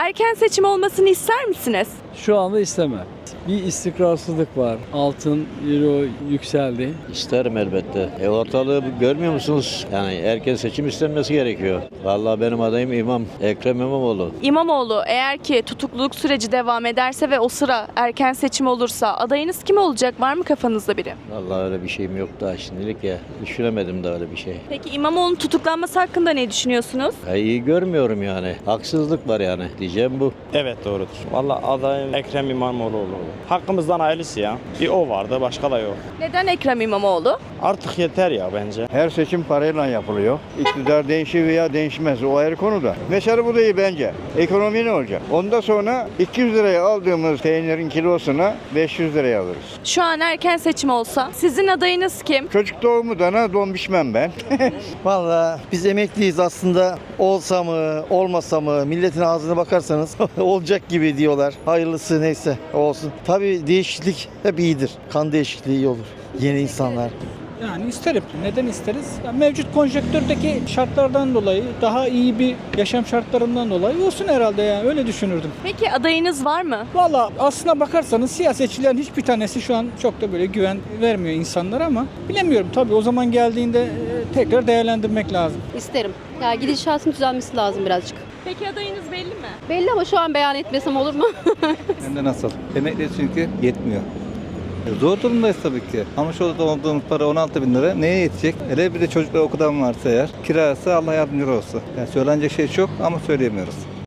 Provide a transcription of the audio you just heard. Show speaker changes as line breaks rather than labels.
Erken seçim olmasını ister misiniz?
Şu anda istemem. Bir istikrarsızlık var. Altın, euro yükseldi.
İsterim elbette. Ortalığı görmüyor musunuz? Yani erken seçim istenmesi gerekiyor. Vallahi benim adayım Ekrem İmamoğlu.
İmamoğlu eğer ki tutukluluk süreci devam ederse ve o sıra erken seçim olursa adayınız kim olacak? Var mı kafanızda biri?
Vallahi öyle bir şeyim yok daha şimdilik ya. Düşünemedim de öyle bir şey.
Peki İmamoğlu'nun tutuklanması hakkında ne düşünüyorsunuz?
İyi görmüyorum yani. Haksızlık var yani. Diyeceğim bu.
Evet doğrudur. Vallahi adayım Ekrem İmamoğlu olur. Hakkımızdan hayırlısı ya. Bir o vardı, başka da yok.
Neden Ekrem İmamoğlu?
Artık yeter ya bence.
Her seçim parayla yapılıyor. İktidar değişir veya değişmez. O ayrı konuda. Mesela bu değil bence. Ekonomi ne olacak? Ondan sonra 200 liraya aldığımız peynirin kilosuna 500 liraya alırız.
Şu an erken seçim olsa sizin adayınız kim?
Çocuk doğumu dana don biçmem ben.
Vallahi biz emekliyiz aslında. Olsa mı, olmasa mı, milletin ağzına bakarsanız olacak gibi diyorlar. Hayırlısı neyse olsun. Tabii değişiklik hep iyidir. Kan değişikliği iyi olur. Yeni insanlar.
Yani isterim. Neden isteriz? Ya mevcut konjonktürdeki şartlardan dolayı, daha iyi bir yaşam şartlarından dolayı olsun herhalde yani öyle düşünürdüm.
Peki adayınız var mı?
Valla aslına bakarsanız siyasetçilerin hiçbir tanesi şu an çok da böyle güven vermiyor insanlara ama bilemiyorum tabii o zaman geldiğinde tekrar değerlendirmek lazım.
İsterim. Ya gidişatın düzelmesi lazım birazcık.
Peki adayınız belli mi?
Belli ama şu an beyan etmesem olur mu?
Hem de nasıl? Emekli çünkü yetmiyor. Zor durumdayız tabii ki. Ama şu odada olduğumuz para 16 bin lira neye yetecek? Hele bir de çocuklar okudan varsa eğer kirası Allah yardımcıları olsun. Yani söylenecek şey çok ama söyleyemiyoruz.